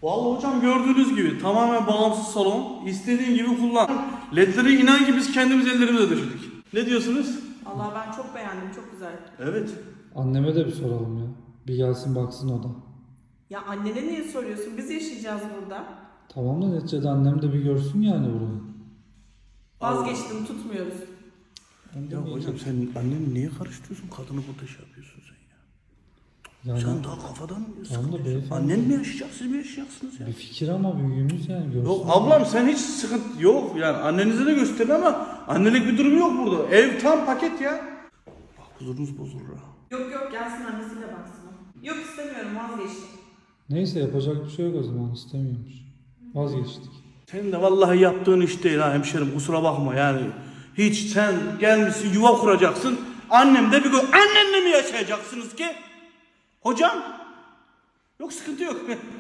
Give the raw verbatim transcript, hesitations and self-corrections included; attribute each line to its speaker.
Speaker 1: Vallahi hocam gördüğünüz gibi tamamen bağımsız salon. İstediğin gibi kullan. Ledleri inan ki biz kendimiz ellerimizle döşedik. Ne diyorsunuz?
Speaker 2: Allah ben çok beğendim, çok güzel.
Speaker 1: Evet.
Speaker 3: Anneme de bir soralım ya. Bir gelsin baksın o da.
Speaker 2: Ya annene niye soruyorsun? Biz yaşayacağız burada.
Speaker 3: Tamam da neticede annem de bir görsün yani burayı.
Speaker 2: Vazgeçtim, tutmuyoruz.
Speaker 1: Ya hocam sen anneni niye karıştırıyorsun? Kadını burada şey yapıyorsun sen ya.
Speaker 3: Yani
Speaker 1: Sen daha kafadan mı
Speaker 3: Tamam da beyefendi.
Speaker 1: Annen mi yaşayacak, siz mi yaşayacaksınız ya?
Speaker 3: bir fikir ama büyüğümüz yani görsün.
Speaker 1: Yok ablam sen hiç sıkıntı yok yani annenize de gösterin ama annelik bir durum yok burada. Ev tam paket ya. Bak huzurunuz bozulur ha.
Speaker 2: Yok yok, gelsin annesiyle baksın. Yok istemiyorum, vazgeçtim.
Speaker 3: Neyse yapacak bir şey yok o zaman, istemiyormuş. Vazgeçtik.
Speaker 1: Senin de vallahi yaptığın iş değil ha hemşerim, kusura bakma yani. Hiç sen gelmişsin yuva kuracaksın. Annem de bir gün annenle mi yaşayacaksınız ki? Hocam? Yok sıkıntı yok.